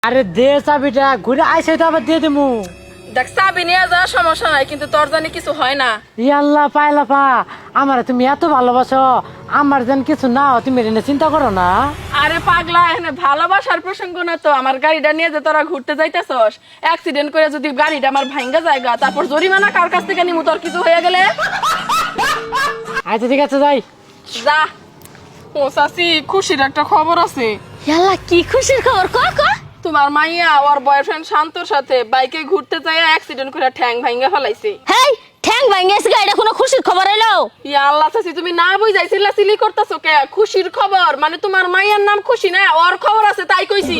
আরে দে চাবিটা, ঘুরে আইসে তো আবার দিয়ে দেবো। দেখ চাবি নিয়ে যা, সমস্যা নাই, কিন্তু তোর জানি কিছু হয় না। ইয়াল্লা পাইলা পা, আমার তুমি এত ভালোবাসো, আমার যেন কিছু না হয় তুমি এটা চিন্তা করো না। আরে পাগলা, এখানে ভালোবাসার প্রসঙ্গ না তো। আমার গাড়িটা নিয়ে যে তোরা ঘুরতে যাইতেছস, অ্যাক্সিডেন্ট করে যদি গাড়িটা আমার ভাঙ্গা জায়গা, তারপর জরিমানা কার কাছ থেকে নিমু তোর কিছু হয়ে গেলে? আচ্ছা ঠিক আছে যাই। যা। ও চাচি, খুশির একটা খবর আছে। ইয়াল্লা কি খুশির খবর, ক ক। তোমার মাইয়া ওর বয়ফ্রেন্ড শান্তর সাথে বাইকে ঘুরতে যায় অ্যাক্সিডেন্ট করে ঠ্যাং ভাঙ্গা ফেলাইছে। হেই, ঠ্যাং ভাঙিয়েছে গা, এটা কোনো খুশির খবর হইলো? ইয়া আল্লাহ চাচি, তুমি না বুঝাইছিলা সিলি করতেছো কে? খুশির খবর মানে তোমার মাইয়ার নাম খুশি না, ওর খবর আছে তাই কইছি।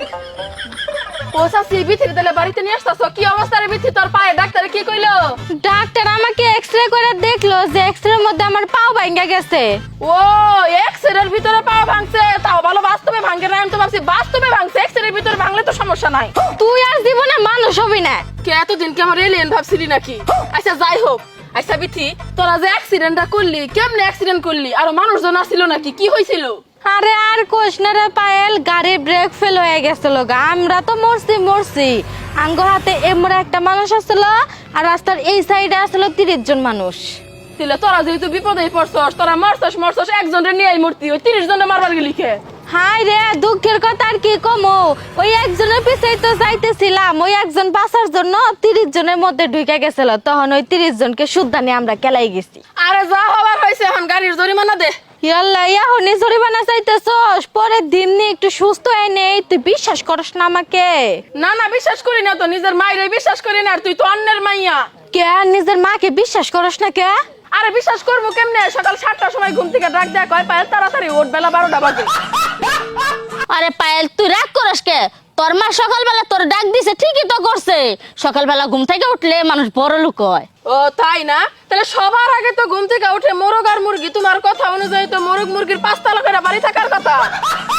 ও চাচি, বিথির তাহলে বাড়িতে নিয়ে আসতেছো? কি অবস্থা রে বিথি, তোর পায়ে ডাক্তারে কি কইলো? ডাক্তার আমাকে এক্সরে করে দেখলো যে এক্সরের মধ্যে আমার পাও ভাঙা গেছে। ও এক্সরের ভিতরে পা ভাঙছে, তাও ভালো, বাস্তবে ভাঙে না। আমি তো ভাবছি বাস্তবে ভাঙছে, এক্সরের ভিতরে ভাঙলে তো সমস্যা নাই। তুই আর জীবনে মানুষ হবি না। কে এতদিন কি আমার এলিয়েন ভাবছিলি নাকি? আচ্ছা যাই হোক। আচ্ছা বিথি, তোরা যে অ্যাক্সিডেন্টটা করলি, কেমনে অ্যাক্সিডেন্ট করলি? আর মানুষজন আসছিল নাকি? কি হয়েছিল? আরে আর কোশ না রে পায়েল, গাড়ি ব্রেক ফেল হয়ে গেছিল গা। আমরা তো মরছি। আঙ্গ হাতে এমরা একটা মানুষ আসছিল, আর রাস্তার এই সাইডে আসছিল 30 জন মানুষ। তাহলে তোরা যেহেতু বিপদে পড়ছস, তোরা মরছস একজনের নিয়ে মূর্তি, ওই 30 জনের মারবার গেলি কে? হাই রে, দুঃখের কথা আর কি কমো। ওই একজনের পিছেই তো যাইতেছিলাম, ওই একজন বাঁচার জন্য 30 জনের মধ্যে ঢুকে গেছিল। তখন ওই 30 জনকে শুদ্ধা নিয়ে আমরা কেলাই গেছি। আরে যা হবার হয়েছে, এখন গাড়ির জরিমানা দে। ইয়াল্লা, ইয়াহনি জরিমানা চাইতেছস? পরের দিন নিয়ে একটু সুস্থ হয়ে নেই, তুই বিশ্বাস করস না আমাকে? না না, বিশ্বাস করি না তো, নিজের মায়ের বিশ্বাস করি না। আর তুই তো অন্যের মাইয়া। কে নিজের মাকে বিশ্বাস করস না কে? আরে বিশ্বাস করবো কেমনে? সকাল 7টার সময় ঘুম থেকে ডাক দেয়া কয় পায়েল তাড়াতাড়ি ওঠ, বেলা 12টা বাজে। আরে পায়েল, তুই রাগ করস কে? তোর মা সকালবেলা তোর ডাক দিছে, ঠিকই তো করছে। সকালবেলা ঘুম থেকে উঠলে মানুষ বড় লোক হয়। ও তাই না? তাহলে সবার আগে তো ঘুম থেকে উঠে মোরগ আর মুরগি, তোমার কথা অনুযায়ী তো মোরগ মুরগির 5 তলা করে বাড়ি থাকার কথা।